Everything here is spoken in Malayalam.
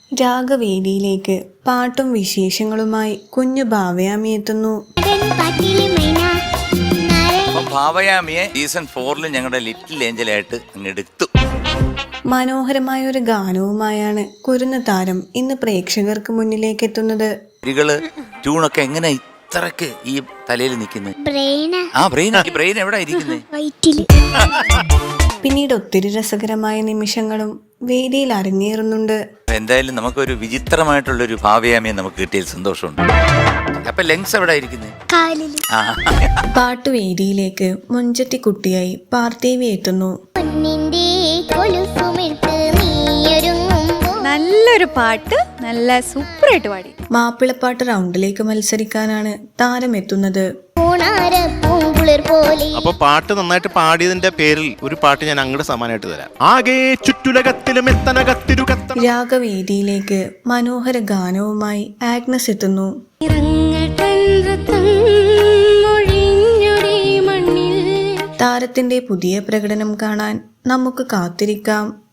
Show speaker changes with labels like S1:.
S1: രാഗവേദിയിലേക്ക് പാട്ടും വിശേഷങ്ങളുമായി കുഞ്ഞു ഭാവയാമി എത്തുന്നു.
S2: ഭാവയാമിയെ സീസൺ 4 ഞങ്ങളുടെ ലിറ്റിൽ ഏഞ്ചലായിട്ട് അങ്ങെടുത്തു.
S1: മനോഹരമായ ഒരു ഗാനവുമായാണ് കുരുന്ന് താരം ഇന്ന് പ്രേക്ഷകർക്ക് മുന്നിലേക്ക് എത്തുന്നത്.
S2: ട്യൂണൊക്കെ എങ്ങനെ ഇത്രക്ക് ഈ തലയിൽ നിൽക്കുന്നത്? ബ്രെയിൻ എവിടെ ഇരിക്കുന്നത്?
S1: പിന്നീട് ഒത്തിരി രസകരമായ നിമിഷങ്ങളും വേദിയിൽ അരങ്ങേറുന്നുണ്ട്.
S2: എന്തായാലും നമുക്കൊരു വിചിത്രമായിട്ടുള്ളൊരു ഭാവയാമിയെ നമുക്ക് കിട്ടിയ സന്തോഷമുണ്ട്. അപ്പൊ ലെങ്സ് എവിടെ ഇരിക്കുന്നത്?
S1: പാട്ടുവേദിയിലേക്ക് മുഞ്ചത്തി കുട്ടിയായി പാർത്ഥേവി എത്തുന്നു.
S3: നല്ലൊരു പാട്ട്, നല്ല സൂപ്പറായിട്ട് പാടി.
S1: മാപ്പിളപ്പാട്ട് റൗണ്ടിലേക്ക് മത്സരിക്കാനാണ് താരം എത്തുന്നത്.
S4: അപ്പൊ പാട്ട് നന്നായിട്ട് പാടിയതിന്റെ പേരിൽ ഒരു പാട്ട് ഞാൻ അങ്ങോട്ട് സമ്മാനമായിട്ട് തരാം. ആകെ ചുറ്റുലകത്തിലും
S1: രാഗവേദിയിലേക്ക് മനോഹര ഗാനവുമായി ആഗ്നസ് എത്തുന്നു. താരത്തിന്റെ പുതിയ പ്രകടനം കാണാൻ നമുക്ക് കാത്തിരിക്കാം.